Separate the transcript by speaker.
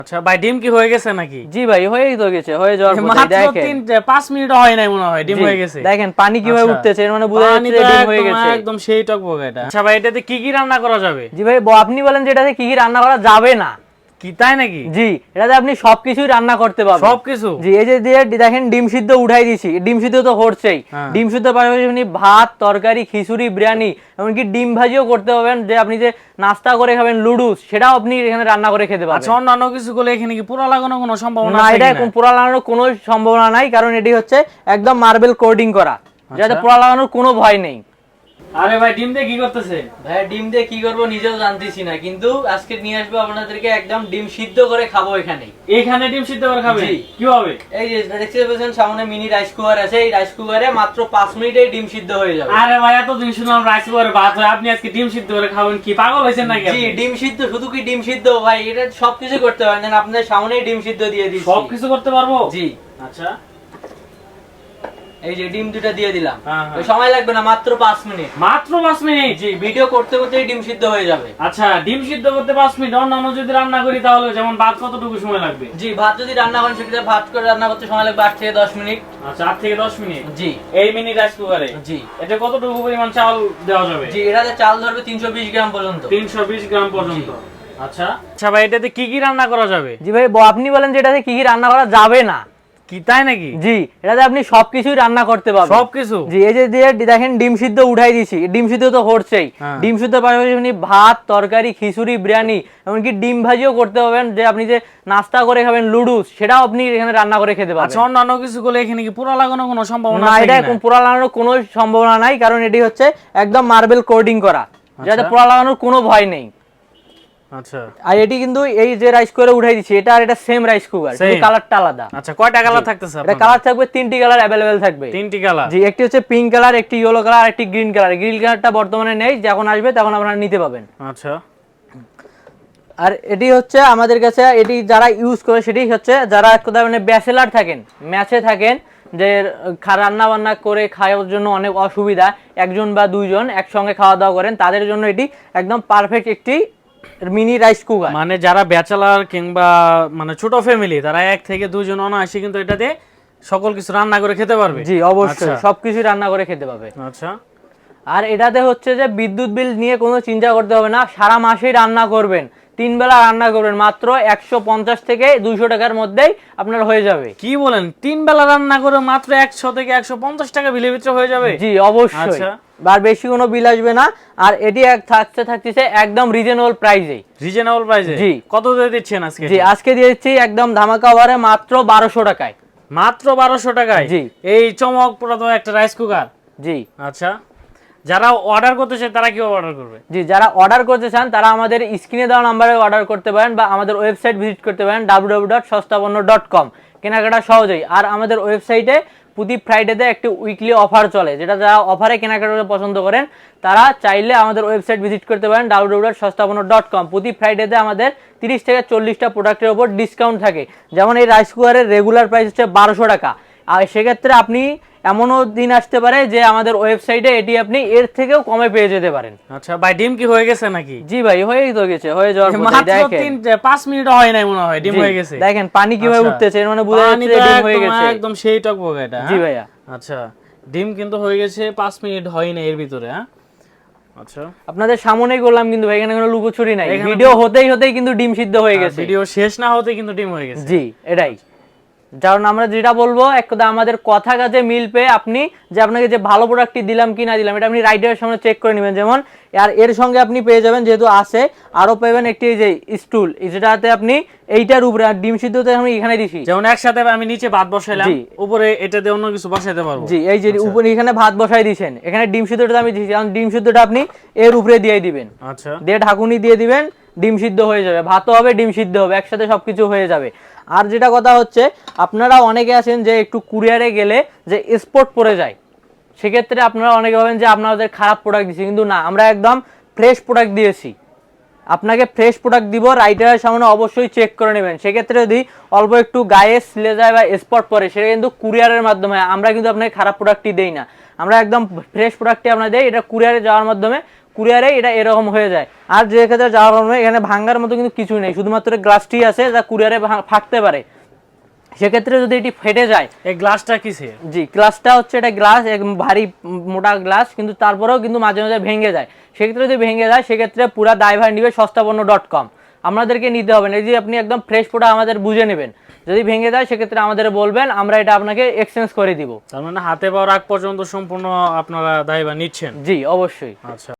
Speaker 1: আচ্ছা ভাই, ডিম কি হয়ে গেছে নাকি?
Speaker 2: জি ভাই, হয়েই তো গেছে, হয়ে যাওয়ার পরে
Speaker 1: মাত্র
Speaker 2: দেখেন
Speaker 1: 5 মিনিটও হয় নাই মনে হয়, ডিম হয়ে গেছে।
Speaker 2: দেখেন পানি কিভাবে উঠতেছে, এর মানে বোঝা যাচ্ছে যে ডিম হয়ে গেছে
Speaker 1: একদম সেই টকবগে এটা। আচ্ছা ভাই, এটাতে কি কি রান্না করা যাবে?
Speaker 2: জি ভাই, আপনি বলেন যে এটাতে কি কি রান্না করা যাবে না।
Speaker 1: কি তাই নাকি?
Speaker 2: জি, এটাতে আপনি সবকিছুই রান্না করতে পারবেন।
Speaker 1: সবকিছু?
Speaker 2: জি, এই যে দিয়ে দেখেন ডিম সিদ্ধ উঠাই দিছি, ডিম সিদ্ধ তো হচ্ছেই। ডিম সিদ্ধ পাশাপাশি আপনি ভাত, তরকারি, খিচুড়ি, বিরিয়ানি, এমনকি ডিম ভাজিও করতে পারবেন। যে আপনি যে নাস্তা করে খাবেন লুডুস, সেটাও আপনি এখানে রান্না করে খেতে পারবেন।
Speaker 1: আচ্ছা, অন্যান্য কিছু করলে এখানে কি পোড়া লাগানোর কোনো সম্ভাবনা
Speaker 2: না?
Speaker 1: আছে
Speaker 2: এটা
Speaker 1: কিনা?
Speaker 2: পোড়া লাগানোর কোনো সম্ভাবনা নাই, কারণ এটি হচ্ছে একদম মার্বেল কোটিং করা, যাতে পোড়া লাগানোর কোনো ভয় নেই।
Speaker 1: আরে ভাই, ডিম দিয়ে কি করতেছে?
Speaker 2: ভাই ডিম দিয়ে কি করবো নিজেও জানতেছি না, কিন্তু আজকে নিয়ে আসবো আপনাদেরকে একদম ডিম সিদ্ধ করে খাবো এখানে।
Speaker 1: এখানে ডিম সিদ্ধ করে খাবে?
Speaker 2: জি।
Speaker 1: কিভাবে?
Speaker 2: এই যে দেখতে পাচ্ছেন সামনে মিনি রাইস কুকার আছে, এই রাইস কুকারে মাত্র 5 মিনিটে ডিম সিদ্ধ হয়ে যাবে।
Speaker 1: আরে ভাই, এতদিন শুনলাম রাইস কুকারে ভাত হয়, আপনি আজকে ডিম সিদ্ধ করে খাবেন? কি পাগল হয়েছেন নাকি?
Speaker 2: জি, ডিম সিদ্ধ, শুধু কি ডিম সিদ্ধ ভাই, এটা সবকিছু করতে পারেন। আপনাদের সামনেই ডিম সিদ্ধ দিয়ে দিচ্ছি।
Speaker 1: সবকিছু করতে পারবো?
Speaker 2: জি।
Speaker 1: আচ্ছা,
Speaker 2: এই যে ডিম দুটো দিয়ে দিলাম।
Speaker 1: হ্যাঁ, হ্যাঁ।
Speaker 2: সময় লাগবে না, মাত্র 5 মিনিট।
Speaker 1: মাত্র 5 মিনিট?
Speaker 2: জি, ভিডিও করতে করতেই ডিম সিদ্ধ হয়ে যাবে।
Speaker 1: আচ্ছা, ডিম সিদ্ধ করতে 5 মিনিট। অন্যান্য যদি রান্না করি তাহলে যেমন ভাত কতটুকু সময় লাগবে?
Speaker 2: জি, ভাত যদি রান্না করেন সেক্ষেত্রে ভাত করে রান্না করতে সময় লাগবে 8 থেকে 10 মিনিট।
Speaker 1: আচ্ছা, 8 থেকে 10 মিনিট।
Speaker 2: জি।
Speaker 1: এই মিনি রাইস কুকারে?
Speaker 2: জি।
Speaker 1: এটা কতটুকু পরিমাণ চাল দেওয়া যাবে?
Speaker 2: জি, এটাতে চাল ধরবে 320 গ্রাম পর্যন্ত।
Speaker 1: 320 গ্রাম পর্যন্ত। আচ্ছা আচ্ছা ভাই, এটাতে কি কি রান্না করা যাবে?
Speaker 2: জি ভাই, আপনি বলেন যে এটাতে কি কি রান্না করা যাবে না।
Speaker 1: কি তাই নাকি?
Speaker 2: জি, এটাতে আপনি সবকিছুই রান্না করতে পারবেন।
Speaker 1: সবকিছু?
Speaker 2: জি, এই যে দিয়ে দেখেন ডিম সিদ্ধ উঠাই দিছি, ডিম সিদ্ধ তো হচ্ছেই। ডিম সিদ্ধ পাশাপাশি আপনি ভাত, তরকারি, খিচুড়ি, বিরিয়ানি, এমনকি ডিম ভাজিও করতে পারবেন। যে আপনি যে নাস্তা করে খাবেন লুডুস, সেটাও আপনি এখানে রান্না করে খেতে পারবেন।
Speaker 1: আচ্ছা, অন্যান্য কিছু করলে এখানে কি পোড়া লাগানোর কোনো সম্ভাবনা
Speaker 2: না?
Speaker 1: আছে
Speaker 2: এটা
Speaker 1: কিনা?
Speaker 2: পোড়া লাগানোর কোনো সম্ভাবনা নাই, কারণ এটি হচ্ছে একদম মার্বেল কোটিং করা, যাতে পোড়া লাগানোর কোনো ভয় নেই।
Speaker 1: আচ্ছা।
Speaker 2: আর এটি কিন্তু এই যে রাইস কুকারে উঠাই দিছি, এটা আর এটা সেম রাইস কুকার, শুধু কালারটা আলাদা।
Speaker 1: আচ্ছা, কয়টা কালার থাকতেছে?
Speaker 2: এটা কালার থাকবে 3টি কালার अवेलेबल থাকবে।
Speaker 1: 3টি কালার?
Speaker 2: জি, একটি হচ্ছে পিঙ্ক কালার, একটি ইয়েলো কালার, একটি গ্রিন কালার। গ্রিন কালারটা বর্তমানে নেই, যখন আসবে তখন আপনারা নিতে পাবেন।
Speaker 1: আচ্ছা।
Speaker 2: আর এটি হচ্ছে আমাদের কাছে, এটি যারা ইউজ করে সেটি হচ্ছে যারা কোথাও মানে ব্যাচেলার থাকেন, ম্যাচে থাকেন, যে রান্না বান্না করে খাওয়ার জন্য অনেক অসুবিধা, একজন বা দুইজন একসঙ্গে খাওয়া দাওয়া করেন, তাদের জন্য এটি একদম পারফেক্ট একটি মিনি রাইস কুকার।
Speaker 1: মানে যারা ব্যাচেলার কিংবা মানে ছোট ফ্যামিলি, তারা 1 থেকে 2 জন অনায়াসে কিন্তু এটাতে সকল কিছু রান্না করে খেতে পারবে।
Speaker 2: জি, অবশ্যই সবকিছু রান্না করে খেতে পারবে।
Speaker 1: আচ্ছা।
Speaker 2: আর এটাতে হচ্ছে যে বিদ্যুৎ বিল নিয়ে কোনো চিন্তা করতে হবে না, সারা মাসেই রান্না করবেন, 3 বেলা রান্না করবেন, মাত্র 150 থেকে 200 টাকার মধ্যেই আপনার হয়ে যাবে।
Speaker 1: কি বলেন? 3 বেলা রান্না করে মাত্র 100 থেকে 150 টাকা বিলের ভিতরে হয়ে যাবে?
Speaker 2: জি, অবশ্যই। আর বেশি কোনো বিল আসবে না। আর এটি থাকছে একদম রিজনেবল প্রাইসে।
Speaker 1: রিজনেবল প্রাইসে?
Speaker 2: জি।
Speaker 1: কত দিয়ে দিচ্ছেন আজকে?
Speaker 2: জি, আজকে দিয়ে দিচ্ছি একদম ধামাকা অফারে মাত্র 1200 টাকায়।
Speaker 1: মাত্র 1200 টাকায়?
Speaker 2: জি।
Speaker 1: এই চমকপ্রদ একটা রাইস কুকার?
Speaker 2: জি।
Speaker 1: আচ্ছা, যারা অর্ডার করতে চায় তারা কিভাবে অর্ডার করবে?
Speaker 2: জি, যারা অর্ডার করতে চান তারা আমাদের স্ক্রিনে দেওয়া নম্বরে অর্ডার করতে পারেন, বা আমাদের ওয়েবসাইট ভিজিট করতে পারেন www.সস্তাপন্ন.com, কেনাকাটা সহজেই। আর আমাদের ওয়েবসাইটে প্রতি ফ্রাইডেতে একটি উইকলি অফার চলে, যেটা যারা অফারে কেনাকাটা পছন্দ করেন তারা চাইলে আমাদের ওয়েবসাইট ভিজিট করতে পারেন www.সস্তাপন্ন.com। প্রতি ফ্রাইডেতে আমাদের 30 থেকে 40টা প্রোডাক্টের উপর ডিসকাউন্ট থাকে। যেমন এই রাইস কুকারের রেগুলার প্রাইস হচ্ছে 1200 টাকা, আর সেক্ষেত্রে আপনি এমনও দিন আসতে পারে যে আমাদের ওয়েবসাইটে এটি আপনি এর থেকেও কমে পেয়ে যেতে পারেন।
Speaker 1: আচ্ছা ভাই, ডিম কি হয়ে গেছে নাকি?
Speaker 2: জি ভাই, হয়েই তো গেছে, হয়ে যাওয়ার পরে দেখেন
Speaker 1: 5 মিনিটও হয় নাই মনে হয়, ডিম হয়ে গেছে।
Speaker 2: দেখেন পানি কিভাবে উঠতেছে, এর মানে বোঝা যাচ্ছে ডিম হয়ে গেছে।
Speaker 1: একদম সেই টকবগে এটা।
Speaker 2: জি ভাইয়া।
Speaker 1: আচ্ছা, ডিম কিন্তু হয়ে গেছে, 5 মিনিট হয়নি এর ভিতরে। হ্যাঁ, আচ্ছা,
Speaker 2: আপনাদের সামনেই করলাম কিন্তু ভাই, এখানে কোনো লুকোচুরি নাই। ভিডিও হতেই কিন্তু ডিম সিদ্ধ হয়ে গেছে।
Speaker 1: ভিডিও শেষ না হতে কিন্তু ডিম হয়ে গেছে।
Speaker 2: জি, এটাই। কারণ আমরা যেটা বলবো, এক কথা আমাদের কথা কাজে মিল পেয়ে আপনি যে আপনাকে যে ভালো প্রোডাক্টটি দিলাম কি না দিলাম, এটা আপনি রাইডারের সামনে চেক করে নেবেন। যেমন আর এর সঙ্গে আপনি পেয়ে যাবেন, যেহেতু আছে, আরো পাবেন একটি যে স্টুল, যেটাতে আপনি এইটার উপরে ডিম সিদ্ধতে আমি এখানে দিছি,
Speaker 1: যেমন একসাথে আমি নিচে ভাত বসাইলাম, উপরে এটা দিয়ে অন্য কিছু বসাইতে পারবো।
Speaker 2: জি, এই যে উপরে এখানে ভাত বসাই দিয়েছেন, এখানে ডিম সিদ্ধটা আমি দিছি, কারণ ডিম সিদ্ধটা আপনি এর উপরে দিয়ে দিবেন।
Speaker 1: আচ্ছা,
Speaker 2: দিয়ে ঢাকুনি দিয়ে দিবেন, ডিম সিদ্ধ হয়ে যাবে, ভাতও হবে ডিম সিদ্ধ হবে, একসাথে সবকিছু হয়ে যাবে। আর যেটা কথা হচ্ছে, আপনারা অনেকে আছেন যে একটু কুরিয়ারে গেলে যে স্পট পড়ে যায়, সেক্ষেত্রে আপনারা অনেকে ভাবেন যে আপনাদের খারাপ প্রোডাক্ট দিচ্ছি, কিন্তু না, আমরা একদম ফ্রেশ প্রোডাক্ট দিয়েছি। আপনাকে ফ্রেশ প্রোডাক্ট দিব, রাইটারের সামনে অবশ্যই চেক করে নেবেন। সেক্ষেত্রে যদি অল্প একটু গায়ে ছিলে যায় বা স্পট পড়ে, সেটা কিন্তু কুরিয়ারের মাধ্যমে, আমরা কিন্তু আপনাকে খারাপ প্রোডাক্টই দেই না, আমরা একদম ফ্রেশ প্রোডাক্টই আপনাদের দেই। এটা কুরিয়ারে যাওয়ার মাধ্যমে কুরিয়ারে এটা এরকম হয়ে যায়। আর যে ক্ষেত্রে যাওয়ার কারণে এখানে ভাঙার মতো কিন্তু কিছু নেই, শুধুমাত্র গ্লাসটি আছে যা কুরিয়ারে ফাটতে পারে। সেক্ষেত্রে যদি এটি ফেটে যায়,
Speaker 1: এই গ্লাসটা কিসের?
Speaker 2: জি গ্লাসটা হচ্ছে এটা গ্লাস একদম ভারী মোটা গ্লাস, কিন্তু তারপরেও কিন্তু মাঝে মাঝে ভেঙে যায়। সেক্ষেত্রে যদি ভেঙে যায় সেক্ষেত্রে পুরা দায়ভার নিবে সস্তাপন্ন.com, আমাদেরকে নিতে হবে না। এই যে আপনি একদম ফ্রেশ প্রোডাক্ট আমাদের বুঝে নেবেন, যদি ভেঙে যায় সেক্ষেত্রে আমাদের বলবেন, আমরা এটা আপনাকে এক্সচেঞ্জ করে দিব।
Speaker 1: তার মানে হাতে পাওয়ার আগ পর্যন্ত সম্পূর্ণ আপনারা দায়ভার নিচ্ছেন?
Speaker 2: জি অবশ্যই।
Speaker 1: আচ্ছা।